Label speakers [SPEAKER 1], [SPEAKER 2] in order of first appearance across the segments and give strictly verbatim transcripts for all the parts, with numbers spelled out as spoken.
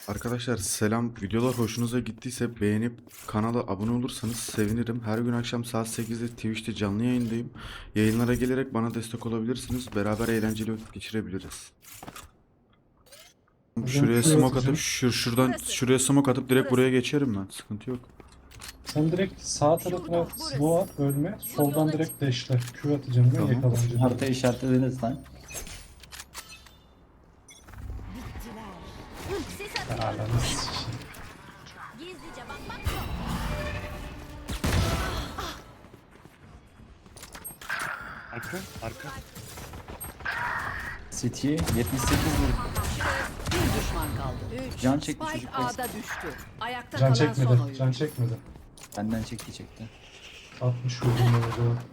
[SPEAKER 1] Arkadaşlar selam. Videolar hoşunuza gittiyse beğenip kanala abone olursanız sevinirim. Her gün akşam saat sekizde Twitch'te canlı yayındayım. Yayınlara gelerek bana destek olabilirsiniz. Beraber eğlenceli vakit geçirebiliriz. Şuraya
[SPEAKER 2] Şuraya
[SPEAKER 1] smoke atıp
[SPEAKER 2] atacağım.
[SPEAKER 1] şur şuradan
[SPEAKER 3] Burası.
[SPEAKER 1] şuraya smoke atıp direkt
[SPEAKER 3] Burası.
[SPEAKER 1] buraya geçerim ben. Sıkıntı yok.
[SPEAKER 2] Sen direkt sağ tarafına
[SPEAKER 3] Şuradan, burası.
[SPEAKER 2] smoke at ölme. Soldan
[SPEAKER 3] yola
[SPEAKER 2] direkt dash'le. Q atacağım ben
[SPEAKER 1] Tamam.
[SPEAKER 2] yakalanacağım.
[SPEAKER 4] Harita işaretlediniz lan.
[SPEAKER 3] Sis atıyorum.
[SPEAKER 2] Ananı sikeyim.
[SPEAKER 3] Gizlice bak bak yok.
[SPEAKER 5] Arka, arka.
[SPEAKER 4] City yetmiş sekiz vurdu.
[SPEAKER 6] Bir düşman kaldı. Üç.
[SPEAKER 4] Can çekti
[SPEAKER 6] Spike
[SPEAKER 4] çocuk.
[SPEAKER 6] A'da düştü. Ayakta
[SPEAKER 2] Can
[SPEAKER 6] kalan son
[SPEAKER 2] çekmedi.
[SPEAKER 6] oyuncu.
[SPEAKER 2] Can çekmedi.
[SPEAKER 4] Benden çekti çekti.
[SPEAKER 2] altmış vurdum ben o zaman.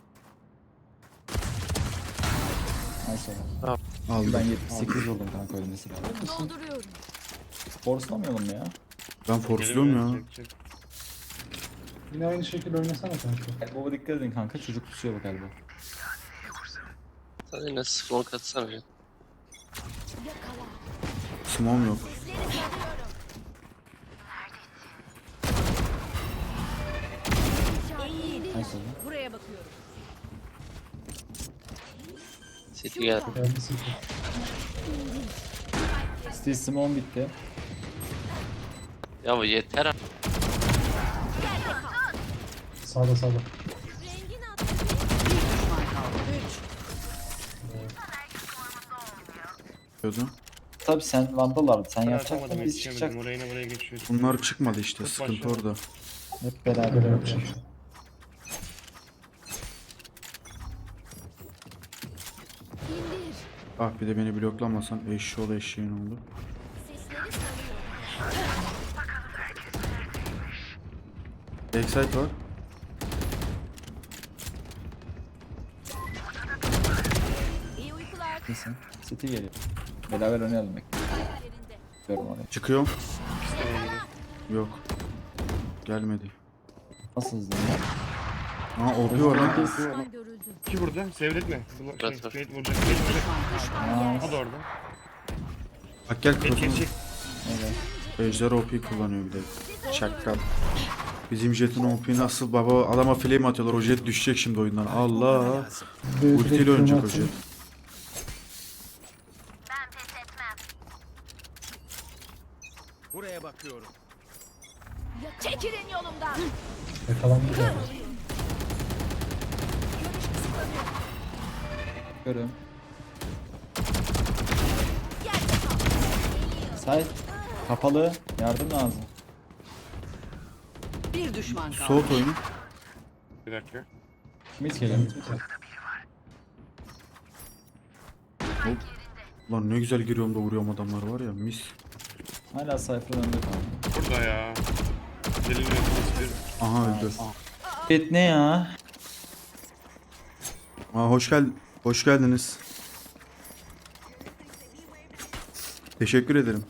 [SPEAKER 4] Neyse oğlum.
[SPEAKER 1] Aldım.
[SPEAKER 4] Ben yetmiş sekiz vurdum kanka ölmesi lazım.
[SPEAKER 3] Dolduruyorum.
[SPEAKER 4] Forslamayalım ya.
[SPEAKER 1] Ben forsluyorum ya.
[SPEAKER 5] Çek, çek.
[SPEAKER 2] Yine aynı şekilde oynasana kanka.
[SPEAKER 4] Elbow'a dikkat edin kanka, çocuk tutuyor bak elbow.
[SPEAKER 7] Sen yine smoke atsana ya.
[SPEAKER 1] Smoke'um yok.
[SPEAKER 3] Sisleri sarıyorum. Eğil.
[SPEAKER 4] Neyse oğlum.
[SPEAKER 6] Buraya bakıyorum.
[SPEAKER 7] City geldi.
[SPEAKER 2] Geldi sıfır.
[SPEAKER 4] Steel Simon bitti.
[SPEAKER 7] Ya bu yeter abi.
[SPEAKER 2] Sağda sağda.
[SPEAKER 3] Rengin attı.
[SPEAKER 6] Bir düşman kaldı. Üç.
[SPEAKER 1] Diyordum.
[SPEAKER 4] Tabi sen Vandal'lardı, sen
[SPEAKER 5] Ben
[SPEAKER 4] yapacaktın
[SPEAKER 5] atamadım,
[SPEAKER 4] biz
[SPEAKER 5] yetişemedim.
[SPEAKER 4] çıkacaktık.
[SPEAKER 5] Oraya yine buraya geçiyoruz.
[SPEAKER 1] Bunlar çıkmadı işte.
[SPEAKER 5] Çok
[SPEAKER 1] Sıkıntı
[SPEAKER 5] başladı.
[SPEAKER 1] orada.
[SPEAKER 4] Hep beraber
[SPEAKER 2] Böyle
[SPEAKER 4] yapacağız.
[SPEAKER 2] yapacağım.
[SPEAKER 3] İndir.
[SPEAKER 1] Ah bir de beni bloklamasan eşşoğlu eşeğin oldu.
[SPEAKER 3] Sisleri sarıyorum.
[SPEAKER 1] Backside var.
[SPEAKER 3] İyi uykular.
[SPEAKER 4] Neyse. City geliyor. Beraber oynayalım bek.
[SPEAKER 3] Yerinde.
[SPEAKER 4] Görüyorum orayı.
[SPEAKER 1] Çıkıyorum.
[SPEAKER 5] İşte böyle.
[SPEAKER 1] Yok. Gelmedi.
[SPEAKER 4] Nasıl hızlı?
[SPEAKER 1] Aa O P var lan.
[SPEAKER 3] Düşman görüldü.
[SPEAKER 5] İki burada, seyretme. Bu şey,
[SPEAKER 7] Evet, evet.
[SPEAKER 5] Fate vuracak, Fate vuracak.
[SPEAKER 4] Aa,
[SPEAKER 5] Hadi orada.
[SPEAKER 1] Bak gel
[SPEAKER 5] Fate
[SPEAKER 1] kafana.
[SPEAKER 5] geçecek.
[SPEAKER 4] evet.
[SPEAKER 1] Ejder O P kullanıyor bir de. Çakkal. Bizim Jet'in O P nasıl baba adama flame atıyorlar. O Jet düşecek şimdi oyundan. Allah.
[SPEAKER 2] Böyle
[SPEAKER 1] Ultiyle
[SPEAKER 2] direkt
[SPEAKER 1] oynayacak o
[SPEAKER 2] atayım.
[SPEAKER 1] Jet.
[SPEAKER 3] Çekilin yolumdan.
[SPEAKER 2] Yakalandı galiba.
[SPEAKER 4] Görüyorum.
[SPEAKER 3] Yerde kal.
[SPEAKER 4] Side. Kapalı. Yardım lazım.
[SPEAKER 6] Bir düşman kaldı.
[SPEAKER 1] Soğut oyunu.
[SPEAKER 5] Bir dakika.
[SPEAKER 4] Mid geliyor.
[SPEAKER 1] Lan ne güzel giriyorum da vuruyorum adamlar var ya mis.
[SPEAKER 4] Hala Cypher'ın önünde kaldı.
[SPEAKER 5] Burada ya. Delil bir.
[SPEAKER 1] Aha öldü.
[SPEAKER 4] Evet ne ya?
[SPEAKER 1] Aa hoş gel hoş geldiniz. Teşekkür ederim.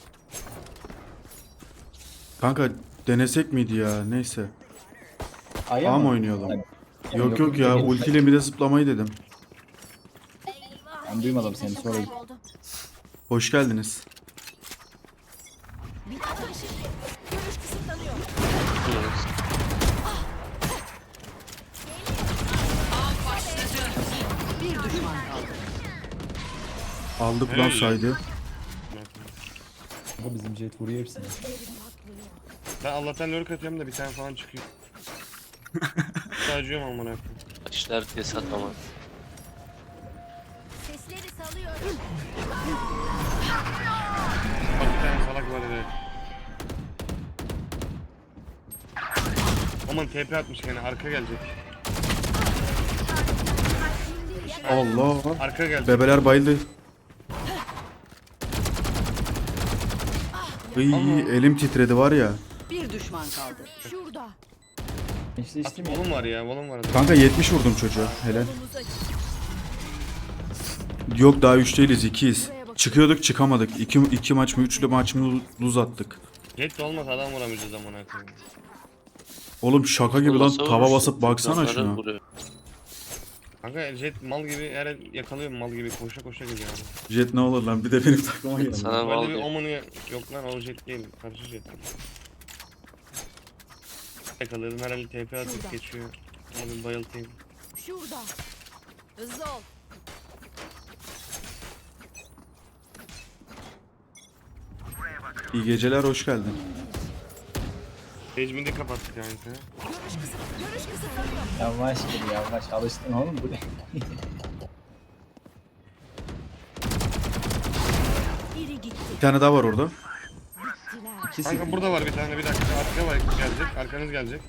[SPEAKER 1] Kanka denesek miydi ya neyse.
[SPEAKER 4] Aya
[SPEAKER 1] A mı
[SPEAKER 4] mı?
[SPEAKER 1] oynayalım?
[SPEAKER 4] Hayır.
[SPEAKER 1] Yok yok ya ultiyle bir de zıplamayı dedim.
[SPEAKER 3] Eyvah.
[SPEAKER 4] Ben duymadım seni,
[SPEAKER 3] Nefes
[SPEAKER 4] sonra-
[SPEAKER 3] kayboldu.
[SPEAKER 1] Hoş geldiniz.
[SPEAKER 3] Bir atın şimdi. Görüş kısıtlanıyor.
[SPEAKER 6] Bir düşman kaldı.
[SPEAKER 1] Aldık lan
[SPEAKER 5] Helal.
[SPEAKER 1] saydı.
[SPEAKER 4] Bu bizim jet vuruyor hepsini.
[SPEAKER 5] Ben Allah'tan lurk atıyorum da bir tane falan çıkıyor. Sadece amına koyayım.
[SPEAKER 7] İşler diye satamaz.
[SPEAKER 3] Sesleri salıyorum.
[SPEAKER 5] Bak bir tane salak var evet. Aman T P atmış gene, arka gelecek.
[SPEAKER 1] Allah.
[SPEAKER 5] Arka gelecek.
[SPEAKER 1] Bebeler bayıldı. İyi elim titredi var ya.
[SPEAKER 6] Bir düşman kaldı.
[SPEAKER 3] Şurada.
[SPEAKER 4] İşte
[SPEAKER 5] At,
[SPEAKER 4] içtim ya.
[SPEAKER 5] volum var ya, volum var.
[SPEAKER 1] Kanka yetmiş vurdum çocuğa. Helal.
[SPEAKER 3] Yolumuz açık.
[SPEAKER 1] Yok daha üç değiliz ikiyiz. Çıkıyorduk çıkamadık. İki, iki maç mı üçlü maç mı luz attık.
[SPEAKER 5] Jet de olmasa adam vuramayacağız amına koyayım.
[SPEAKER 1] Oğlum şaka gibi lan
[SPEAKER 7] Olmasa
[SPEAKER 1] tava
[SPEAKER 7] vurursun.
[SPEAKER 1] basıp baksana
[SPEAKER 7] Onları
[SPEAKER 1] şuna.
[SPEAKER 7] vuruyor.
[SPEAKER 5] Kanka Jet mal gibi her el yakalıyor mal gibi koşa koşa geliyor abi.
[SPEAKER 1] Jet ne olur lan bir de benim takıma geldi.
[SPEAKER 7] Sana mal
[SPEAKER 5] Böyle bir
[SPEAKER 7] diyor.
[SPEAKER 5] omunu yok lan o Jet değil. Karşı Jet. Yakaladım her el T P atıp
[SPEAKER 3] Şurada.
[SPEAKER 5] geçiyor. Abi bayıltayım.
[SPEAKER 3] Şurada. Hızlı ol.
[SPEAKER 1] İyi geceler, hoş geldin.
[SPEAKER 5] Mecbini kapattık yani.
[SPEAKER 3] Görüş kısıt. Görüş kısıtlanıyor.
[SPEAKER 4] Yavaş gel yavaş. Alıştın oğlum bu ne?
[SPEAKER 3] Biri gitti.
[SPEAKER 1] Bir tane daha var orada.
[SPEAKER 3] Bittiler.
[SPEAKER 4] İkisi.
[SPEAKER 5] Kanka burada var bir tane bir dakika. Arka var gelecek. Arkanız gelecek.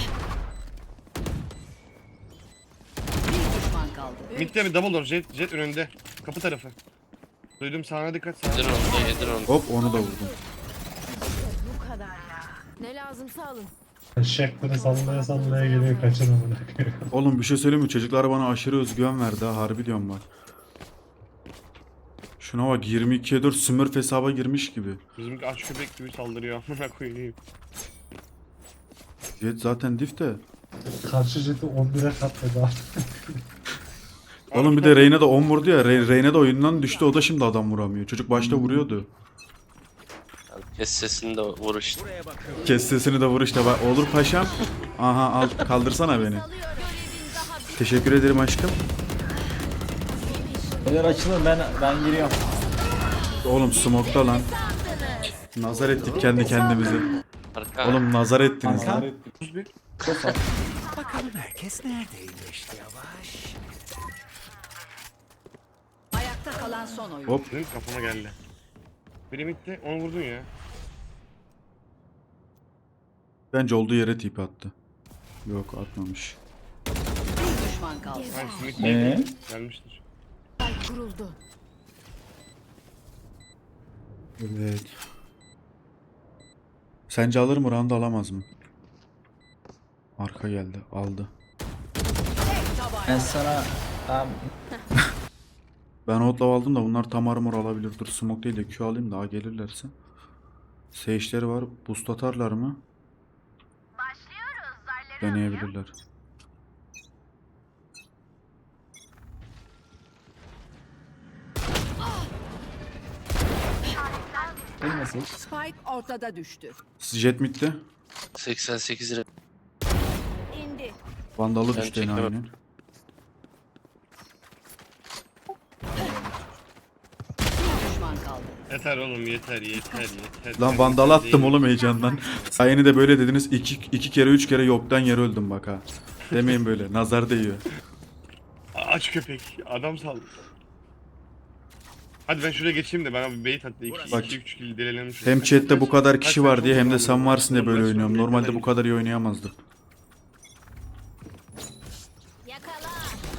[SPEAKER 6] Bir düşman kaldı.
[SPEAKER 5] Mid'de bir double door. Jet, jet önünde. Kapı tarafı. Duydum sağına dikkat.
[SPEAKER 7] Yedir
[SPEAKER 5] Sağına.
[SPEAKER 7] onu da yedir onu.
[SPEAKER 1] Hop onu da vurdum.
[SPEAKER 3] Bu kadar ya. Ne lazımsa alın.
[SPEAKER 2] Eşek böyle sallaya sallaya geliyor kaçın amına koyayım.
[SPEAKER 1] Oğlum bir şey söyleyeyim mi? Çocuklar bana aşırı özgüven verdi ha. Harbi diyorum bak. Şuna bak yirmi ikiye dört Smurf hesaba girmiş gibi.
[SPEAKER 5] Bizimki aç köpek gibi saldırıyor. Amına koyayım.
[SPEAKER 1] Jet zaten diff de.
[SPEAKER 2] Karşı jeti on bire katladı artık.
[SPEAKER 1] Oğlum bir de Reyna da on vurdu ya. Re Reyna da oyundan düştü. O da şimdi adam vuramıyor. Çocuk başta vuruyordu.
[SPEAKER 7] Kes sesini de vur işte.
[SPEAKER 1] Kes sesini de vur işte. Bak, olur paşam. Aha al kaldırsana beni.
[SPEAKER 3] Alıyorum. Görevin daha bir
[SPEAKER 1] Teşekkür ederim aşkım.
[SPEAKER 4] Neler açılır ben ben giriyorum.
[SPEAKER 1] Oğlum smoke'ta lan. Nazar ettik kendi kendimizi.
[SPEAKER 7] Arka.
[SPEAKER 1] Oğlum nazar ettiniz
[SPEAKER 4] Kanka.
[SPEAKER 1] lan.
[SPEAKER 4] Çok az.
[SPEAKER 6] Ayakta kalan son oyun.
[SPEAKER 1] Hop.
[SPEAKER 5] Benim kafama geldi. Biri midde onu vurdun ya.
[SPEAKER 1] Bence olduğu yere tip attı. Yok atmamış.
[SPEAKER 6] Bir düşman kaldı.
[SPEAKER 5] Hangisi mid
[SPEAKER 4] Ee?
[SPEAKER 5] neydi? Gelmiştir.
[SPEAKER 3] ay kuruldu.
[SPEAKER 1] Evet. Sence alır mı? Round alamaz mı? Arka geldi. Aldı.
[SPEAKER 4] Ben sana tamam.
[SPEAKER 1] Ben outlaw aldım da bunlar tam armor alabilir. Dur smoke değil de Q alayım da A gelirlerse. Sage'leri var. Boost atarlar mı? Deneyebilirler.
[SPEAKER 4] Ölmesin.
[SPEAKER 6] Spike ortada düştü.
[SPEAKER 1] Jet mid'de.
[SPEAKER 7] seksen sekiz lira.
[SPEAKER 3] İndi.
[SPEAKER 1] Vandalı
[SPEAKER 7] Ben
[SPEAKER 1] düştü yine
[SPEAKER 7] çekemem.
[SPEAKER 1] aynen.
[SPEAKER 6] Bir düşman kaldı.
[SPEAKER 5] Yeter oğlum yeter yeter yeter.
[SPEAKER 1] Lan vandal attım oğlum heyecandan. Sayeni de böyle dediniz. İki, iki kere üç kere yoktan yere öldüm bak ha. Demeyin böyle. Nazar değiyor.
[SPEAKER 5] Aç köpek. Adam saldı. Hadi ben şuraya geçeyim de bana bir bait attı. iki
[SPEAKER 1] Bak.
[SPEAKER 5] iki üç kill delelim şuraya.
[SPEAKER 1] Hem chatte bu kadar kişi
[SPEAKER 5] Kaç,
[SPEAKER 1] var
[SPEAKER 5] kaç
[SPEAKER 1] diye hem de
[SPEAKER 5] oldu
[SPEAKER 1] sen
[SPEAKER 5] lan?
[SPEAKER 1] varsın diye böyle
[SPEAKER 5] Kaç
[SPEAKER 1] oynuyorum.
[SPEAKER 5] oldu?
[SPEAKER 1] Normalde bu
[SPEAKER 5] Kaç?
[SPEAKER 1] kadar iyi oynayamazdım.
[SPEAKER 3] Yakala.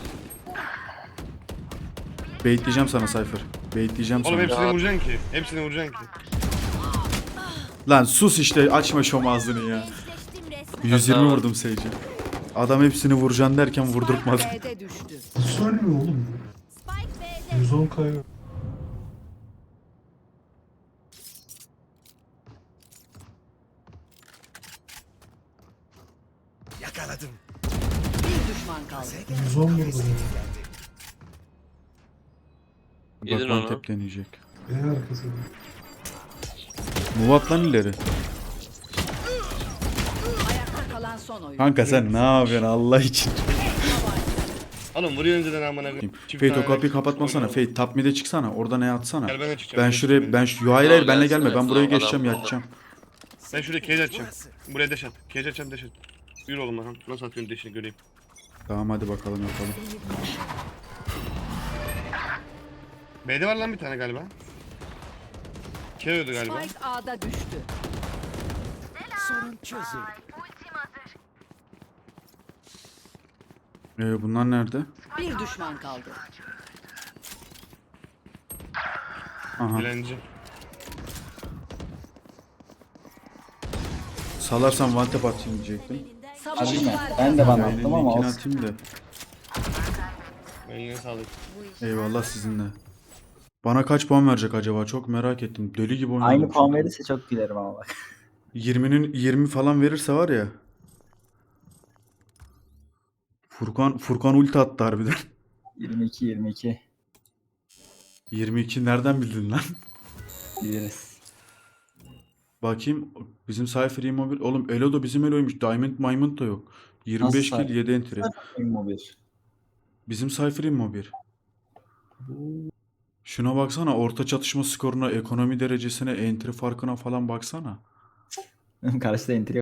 [SPEAKER 1] Baitleyeceğim sana Cypher. Baitleyeceğim
[SPEAKER 5] Oğlum
[SPEAKER 1] sana.
[SPEAKER 5] hepsini vuracaksın ki. Hepsini vuracaksın ki.
[SPEAKER 1] Lan sus işte açma şom ağzını ya.
[SPEAKER 3] Eşleştim resmen.
[SPEAKER 1] yüz yirmi vurdum Sage'e. Adam hepsini vuracaksın derken vurdurtmadı.
[SPEAKER 6] B'de düştü.
[SPEAKER 2] Nasıl ölmüyor oğlum?
[SPEAKER 3] Spike B'de.
[SPEAKER 2] yüz on kayıyor.
[SPEAKER 6] Bir düşman kaldı.
[SPEAKER 2] yüz on vurdu ya.
[SPEAKER 7] Yedin
[SPEAKER 1] Bak
[SPEAKER 7] onu.
[SPEAKER 1] one tap deneyecek.
[SPEAKER 2] B arkası.
[SPEAKER 1] Move at lan ileri.
[SPEAKER 6] Ayakta kalan son oyun.
[SPEAKER 1] Kanka sen ne yapıyorsun Allah için.
[SPEAKER 5] Oğlum vuruyor önceden amına koyayım. Çift
[SPEAKER 1] Fate o
[SPEAKER 5] tane
[SPEAKER 1] kapıyı
[SPEAKER 5] rakip
[SPEAKER 1] kapatmasana.
[SPEAKER 5] oynuyor.
[SPEAKER 1] Fate top mid'e çıksana. Orada ne atsana.
[SPEAKER 5] Gel ben de çıkacağım.
[SPEAKER 1] Ben
[SPEAKER 5] Geç
[SPEAKER 1] şuraya
[SPEAKER 5] beni.
[SPEAKER 1] ben şu hayır hayır benle
[SPEAKER 7] Gelsene,
[SPEAKER 1] gelme. Ben buraya
[SPEAKER 7] adam
[SPEAKER 1] geçeceğim
[SPEAKER 7] burada.
[SPEAKER 1] yatacağım.
[SPEAKER 5] Ben şuraya cage açacağım. Buraya dash at. Cage açacağım dash at. Yürü oğlum bakalım. Nasıl atıyorsun dash'ini göreyim.
[SPEAKER 1] Tamam hadi bakalım yapalım.
[SPEAKER 5] B'de var lan bir tane galiba. Keriyordu galiba.
[SPEAKER 6] Spike A'da düştü.
[SPEAKER 1] Ee, bunlar nerede?
[SPEAKER 6] Bir düşman kaldı.
[SPEAKER 1] Aha.
[SPEAKER 5] Dilenci.
[SPEAKER 1] Salarsam one tap atayım diyecektim.
[SPEAKER 4] Alayım ben.
[SPEAKER 6] Savunucular
[SPEAKER 4] Ben de bana
[SPEAKER 1] Yayının
[SPEAKER 4] attım ama
[SPEAKER 1] linkini
[SPEAKER 4] olsun.
[SPEAKER 1] atayım da.
[SPEAKER 5] Eline sağlık.
[SPEAKER 1] Eyvallah sizinle. Bana kaç puan verecek acaba? Çok merak ettim. Deli gibi oynadım.
[SPEAKER 4] Aynı puan
[SPEAKER 1] çünkü.
[SPEAKER 4] verirse çok gülerim ama bak.
[SPEAKER 1] yirminin yirmi falan verirse var ya. Furkan Furkan ulti attı harbiden.
[SPEAKER 4] yirmi iki yirmi iki.
[SPEAKER 1] yirmi iki nereden bildin lan?
[SPEAKER 4] Biliriz.
[SPEAKER 1] Bakayım bizim Cypher Immobile. Oğlum Elo da bizim Elo'ymuş. Diamond Maymund da yok. yirmi beş
[SPEAKER 4] Nasıl
[SPEAKER 1] kill yedi entry.
[SPEAKER 4] Immobil.
[SPEAKER 1] Bizim Cypher Immobile. Şuna baksana, orta çatışma skoruna, ekonomi derecesine, entry farkına falan baksana.
[SPEAKER 4] Karşıda entry